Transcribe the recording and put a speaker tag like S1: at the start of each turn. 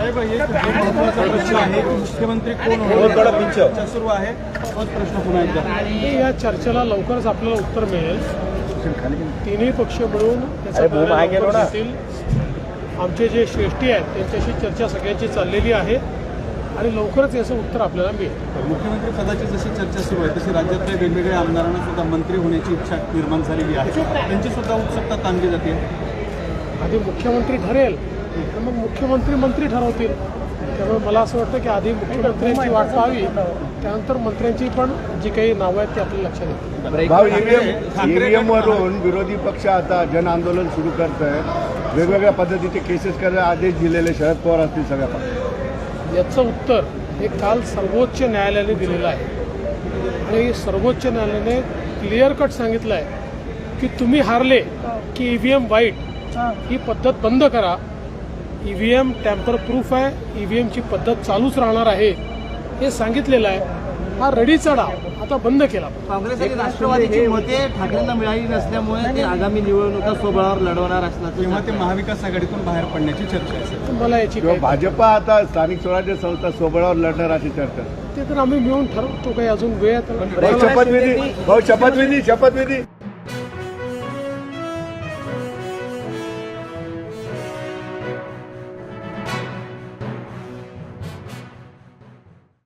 S1: साहेब एक महत्त्वाचा प्रश्न आहे, मुख्यमंत्री कोण होणार चर्चा सुरू आहे. तोच प्रश्न पुन्हा एकदा.
S2: या चर्चेला लवकरच आपल्याला उत्तर मिळेल. तिन्ही पक्ष मिळून त्याचा निर्णय घेतील. आमचे जे श्रेष्ठी आहेत त्यांच्याशी चर्चा सगळ्यांची चाललेली आहे आणि लवकरच याचं उत्तर आपल्याला मिळेल.
S1: मुख्यमंत्री पदाची जशी चर्चा सुरू आहे तशी राज्यातल्या वेगवेगळ्या आमदारांना सुद्धा मंत्री होण्याची इच्छा निर्माण झालेली आहे. त्यांची सुद्धा उत्सुकता ताणली जाते.
S2: आधी मुख्यमंत्री ठरेल तर मग मुख्यमंत्री मंत्री ठरवतील. त्यामुळे मला असं वाटतं की आधी मुख्यमंत्र्यांची वाट पाहावी, त्यानंतर मंत्र्यांची पण जी काही नावं आहेत ती आपल्याला लक्षात येतील.
S3: भाऊ, ईव्हीएम वरून विरोधी पक्ष आता जन आंदोलन सुरू करत आहे. वेगवेगळ्या पद्धतीचे केसेस करायला आदेश दिलेले शरद पवार असतील सगळ्या पक्षांना.
S2: याचं उत्तर हे काल सर्वोच्च न्यायालयाने दिलेलं आहे आणि सर्वोच्च न्यायालयाने क्लिअर कट सांगितलं आहे की तुम्ही हारले की ईव्हीएम वाईट ही पद्धत बंद करा. ईव्हीएम टॅम्पर प्रूफ आहे, ईव्हीएमची पद्धत चालूच राहणार आहे हे सांगितलेलं आहे. हा रडीचा डाव आता बंद केला.
S4: काँग्रेस आणि राष्ट्रवादीची मते ठाकरेंना मिळाली नसल्यामुळे ते आगामी निवडणुका स्वबळावर लढवणार असल्याचं
S1: किंवा ते महाविकास आघाडीतून बाहेर पडण्याची चर्चा आहे.
S2: मला याची
S3: किंवा भाजपा आता स्थानिक स्वराज्य संस्था सोबळावर लढणार अशी चर्चा.
S2: ते तर आम्ही मिळून ठरवतो. काही अजून वेळ आहे तर
S3: भाऊ, शपथविधी